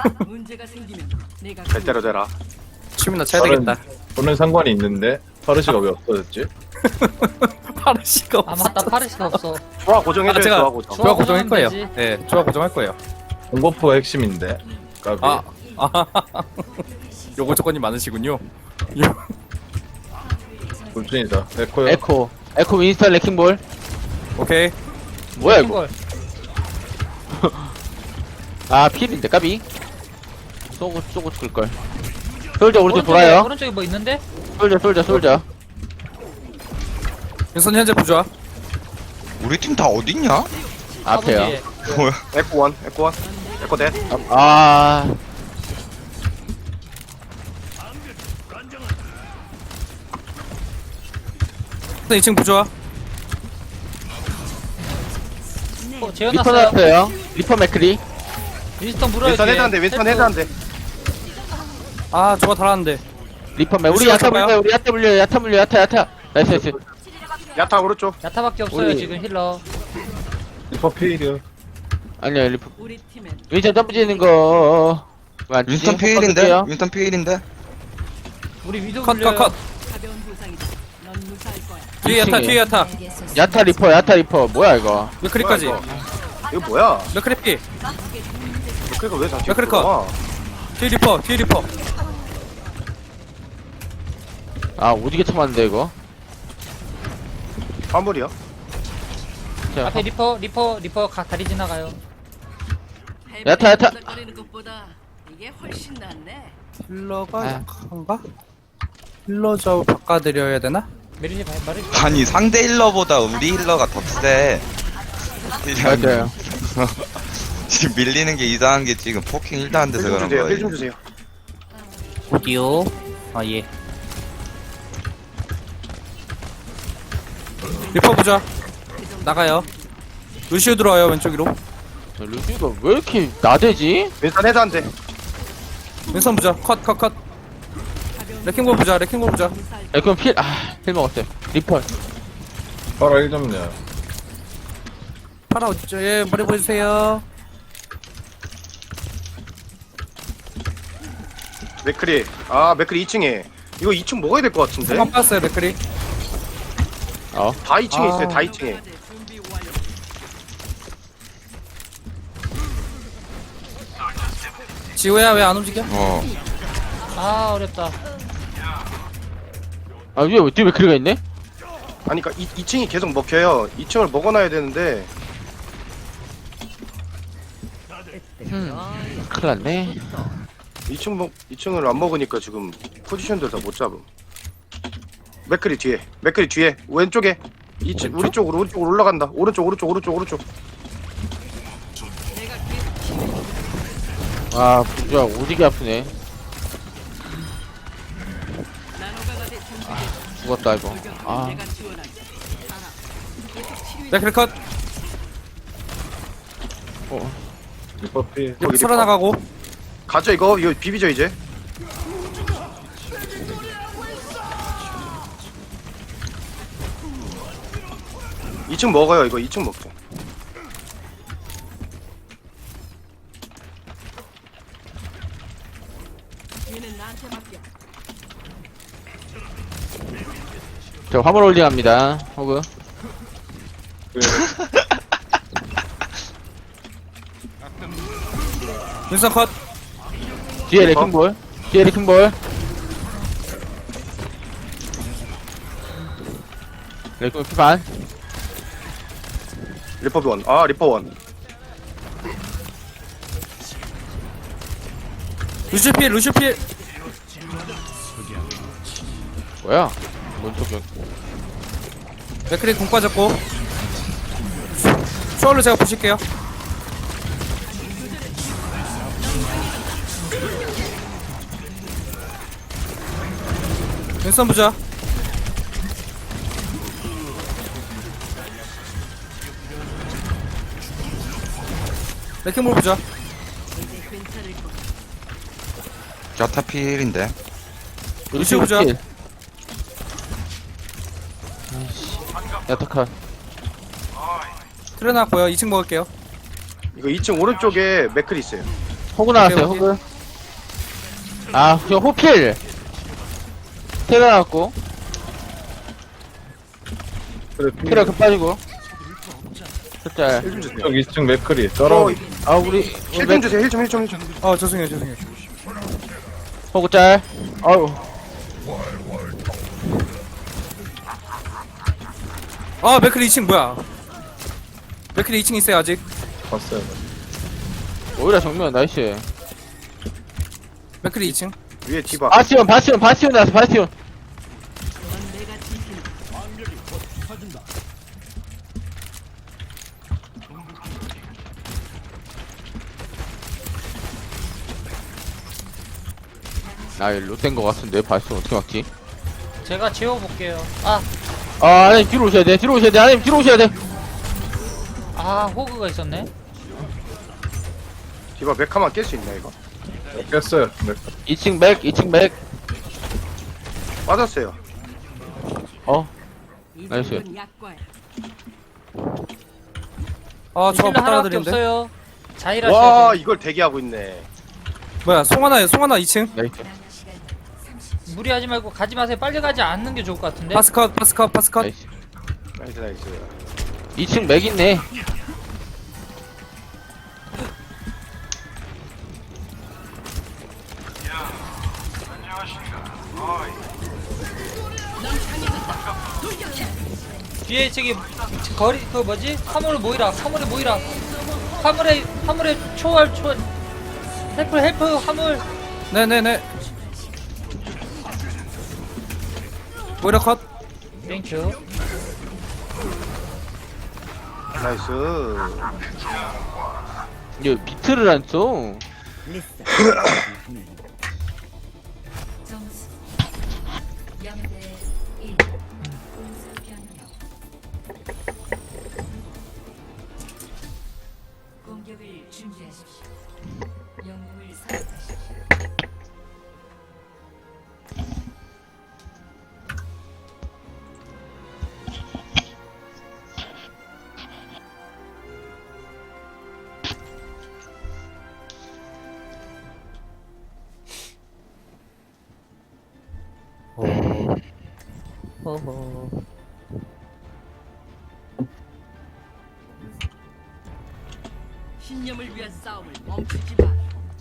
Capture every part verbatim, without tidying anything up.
문제가 생기면 내가 잘 때려대라. 춤이나 쳐야 다른- 되겠다. 보는 상관이 있는데 파르시가 왜 없어졌지? 파르시가 아 맞다 파르시가 없어. 조화 고정해줘요. 아, 제가- 조화 고정. 조화 고정할 거예요. 되지. 네, 조화 고정할 거예요. 공버프가 핵심인데. 까비. 아, 아, 요거 조건이 많으시군요. 불준이다. 에코요. 에코 에코 윈스턴 레킹볼. 오케이. 뭐야 이거? 걸. 아 필인데 까비. 쏘고 쏘고 죽을걸. 솔저 오른쪽 오른쪽에- 돌아요. 오른쪽에 뭐 있는데? 솔저 솔저 솔저. 윤선 현재 부좌. 우리 팀 다 어딨냐? 앞에요. 아버지. 뭐야? 에코 원, 에코 원, 에코 대. 아 이 층 부좌. 어, 리퍼 재워놨어요. 나왔어요. 리퍼 맥크리. 윈스턴 물어요. 윈스턴 뒤에. 헤드한데, 윈스턴 헬프. 헤드한데. 아, 저거 달았는데. 리퍼 맥. 우리 루시오 야타 잡아요? 물려. 우리 야타 물려. 야타 물려. 야타 야타. 나이스 나이스. 야타 오른쪽. 야타밖에 없어요 우리- 지금 힐러. 리퍼 페이리요. 아니야 리퍼. 우리 팀엔 윈스턴 점프 지는 거. 왜안 치지? 윈스턴 피일인데? 헛헛할게요. 윈스턴 피일인데? 우리 위도 컷, 컷, 물려요. 컷. 가벼운 부상이다. 넌 무사할 거야. 뒤에 야타, 이 층에. 뒤에 야타. 야타 리퍼 야타 리퍼. 뭐야 이거? 맥크리까지. 뭐야, 이거 뭐야? 맥크리 피. 그러니까 왜 다시 야, 그래, 컷. 뒤에 리퍼, 뒤에 리퍼. 아 오지게 참았는데 이거. 화물이야? 자, 앞에 리퍼 리퍼 리퍼 가, 다리 지나가요. 야타, 야타. 거리는 것보다 이게 훨씬 낫네. 힐러가 아. 약한가? 힐러 좌우 바꿔드려야 되나? 메리지 말 말해. 아니 상대 힐러보다 우리 힐러가 더 세. 맞아요. 지금 밀리는 게 이상한 게 지금 포킹 일도 안 돼서 힐좀 그런 주세요. 거예요. 힐좀 주세요. 어디요? 아, 예. 리퍼 부좌. 나가요. 루시오 들어와요, 왼쪽으로. 저 루시가 왜 이렇게 나대지? 윈스턴 헤드한데. 왼손 부좌. 컷, 컷, 컷. 레킹볼 부좌, 레킹볼 부좌. 에코 필. 아필 먹었어요. 리퍼. 파라 일 점이야. 파라 어디죠? 예, 머리 보여주세요. 맥크리. 아, 맥크리 이 층에. 이거 이 층 먹어야 될 것 같은데? 한번 빠졌어요, 맥크리. 어. 다 이 층에 아. 있어요, 다 이 층에. 준비 완료. 지호야, 왜 안 움직여? 어. 아 어렵다. 아 위에 왜 뒤에 맥크리가 있네? 아니, 그니까 이, 이 층이 계속 먹혀요. 이 층을 먹어놔야 되는데. 음. 큰일 났네. 이 층 먹, 이 층을 안 먹으니까 지금 포지션들 다 못 잡음. 맥크리 뒤에, 맥크리 뒤에, 왼쪽에. 이 층, 우리 쪽으로, 우리 쪽으로 올라간다. 오른쪽, 오른쪽, 오른쪽, 오른쪽. 내가 계속 아 부주야 오지게 아프네. 나노가가 될 준비. 죽었다 이거. 아 내가 지원할게. 알아. 계속 치료해. 맥크리 컷. 리퍼 페이. 거기 살아나가고. 가죠, 이거. 이거 비비죠, 이제. 이 층 먹어요, 이거. 이 층 먹죠. 얘는 나한테 맡겨. 저 화물 홀딩합니다. 호그. 윤선 컷. 뒤에 레킹볼. 뒤에 레킹볼. 레킹볼 피반. 리퍼비 원. 아, 리퍼 원. 루시필, 루시필. 뭐야? 뭔 소리야? 맥크리 공 빠졌고. 쇼얼로 제가 보실게요. 왼손 부자. 레킹볼 부자. 이제 괜찮을 거야. 자타 피일인데? 루시오 부자. 필. 아이씨. 야타카. 틀어놨고요. 이 층 먹을게요. 이거 이 층 오른쪽에 맥클이 있어요. 호구 나왔어요, 오케이, 호구. 아, 저 호필. 테러 나왔고. 그래 테러 급 빠지고. 숫자. 힐 좀 주세요. 쪽 이 층 맥크리 어, 떨어. 아, 우리, 힐 좀 주세요. 힐 좀, 힐 좀, 힐 좀. 아 죄송해요 죄송해요. 호구 짤. 아우. 아 맥클리 이 층 뭐야? 맥클리 이 층 있어요 아직. 봤어요. 오히려 정면, 나이스. 맥클리 이 층. 위에 디바. 바스티온, 바스티온, 바스티온 나왔어, 바스티온. 넌 내가 지킨다. 아, 이 롯된 거 같은데, 바스티온 어떻게 막지? 제가 지워볼게요. 아, 아, 아니, 뒤로 오셔야 돼, 뒤로 오셔야 돼, 아니, 뒤로 오셔야 돼. 아, 호그가 있었네. 디바 메카만 깰 수 있나 이거? 깼어요. 맥. 이 층 맥, 이 층 맥. 빠졌어요. 어, 이 나이스. 정도는 약과야. 아 저거 힐러 못 하나밖에 따라드리는데. 없어요. 자일하셔야 와 돼. 이걸 대기하고 있네. 뭐야 송하나 송하나 이 층. 나이스. 무리하지 말고 가지 마세요. 빨리 가지 않는 게 좋을 것 같은데. 파스컷 파스컷 파스컷. 나이스. 나이스 나이스. 이 층 맥 있네. 뒤에 저기 거리 그 뭐지? 화물 모이라. 화물에 모이라. 화물에 화물에 초월 초월. 헬프 헬프 화물. 네네네. 오히려 컷. 땡큐. 나이스. 이거 비트를 안 써. 점수 영 대 일. 공수 변경. 공격을 준비하십시오. 영웅을 선택하십시오. 허허. 신념을 위한 싸움을 멈추지 마.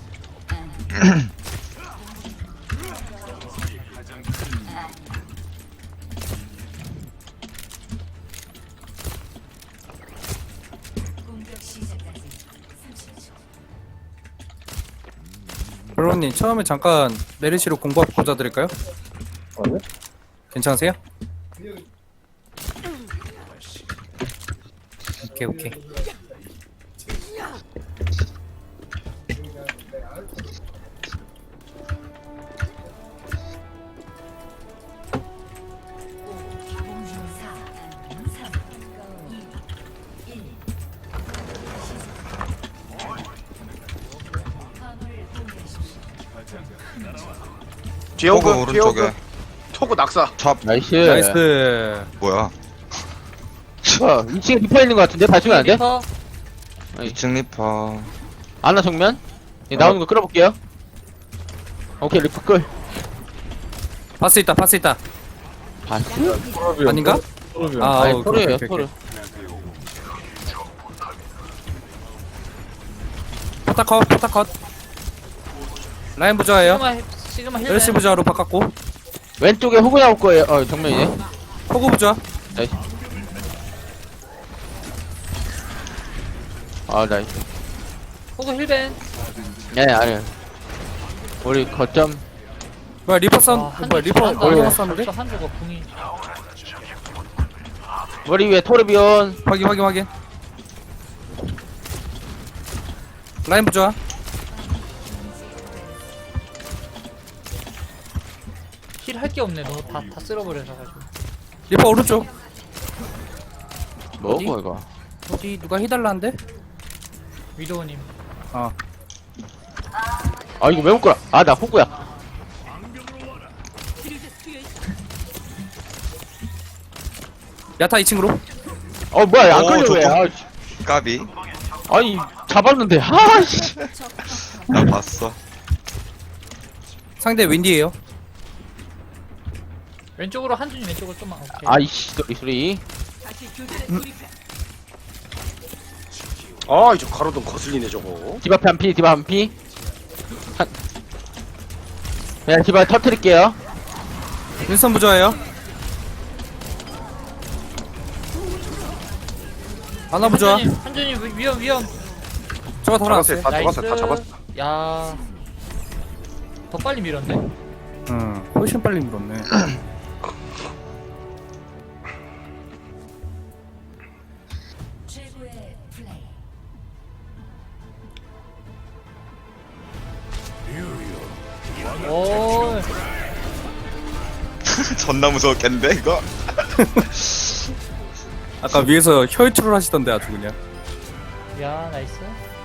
공격 시작까지 삼십 초. 브로님 처음에 잠깐 메르시로 공부하고 보자 드릴까요? 아니? 괜찮으세요? 오케이 오케이. 사, 삼, 이, 일. 화물을 공개하십시오. 뒤에 호그 오그 뒤에 오그. 오른쪽에. 토그 낙사. 찹. 나이스. 나이스. 뭐야? 뭐야, 이 층에 리퍼 있는 거 같은데? 봐주면 안 돼? 리퍼. 이 층 리퍼. 아나 정면? 예, 나오는 거 끌어볼게요. 오케이, 리퍼 끌. 파스 있다 파스 있다. 바스? 토르비온, 아닌가? 토르비온. 아 아니, 오케이, 토르예요, 오케이, 토르. 오케이. 포타컷 포타컷. 라인 부자예요. 시그마 힐- 시그마 힐. 메르시 부자로 바꿨고. 왼쪽에 호구 나올 거예요. 어, 정면이네. 호구 부자. 나이스. 아, 나이스. 호그 힐벤. 네, 아니. 우리 거점. 뭐야 리퍼 선 아, 한 뭐야 줄 리퍼 잘한다. 얼마나 쐈는데? 벌써 한 줄가 궁이. 머리 위에 토르비온. 확인 확인 확인. 라인 부자. 힐 할 게 없네. 너 다 다 쓸어버려서 가지고. 리퍼 오른쪽. 뭐고, 어디? 이거? 어디 누가 해달라는데? 위도우님. 아 아, 이거 왜 못 끌어? 아, 나 호구야. 치료제 투여 있다. 야타 이 층으로. 어, 뭐야, 안 오, 끌려, 왜? 좋다. 아, 씨. 까비. 아니, 잡았는데. 아, 씨. 나 봤어. 상대 윈디에요. 왼쪽으로 한준이 왼쪽으로 좀만. 오케이. 아이씨 소리 소리. 다시 교전에 돌입해. 아 이제 가로등 거슬리네 저거. 디바 한 피, 디바 한 피. 한. 그냥 디바 터트릴게요. 윈선 부자예요. 하나 부자. 한준이 한준이 위- 위험 위험. 저거 더 잡았어요. 나왔어요. 다 잡았어. 다 나이스. 잡았어. 야. 더 빨리 밀었네. 응, 훨씬 빨리 밀었네. 최고의 플레이. 오. 존나 무서웠겠는데 이거? 아까 위에서 혈투를 하시던데 아주 그냥. 야 나이스.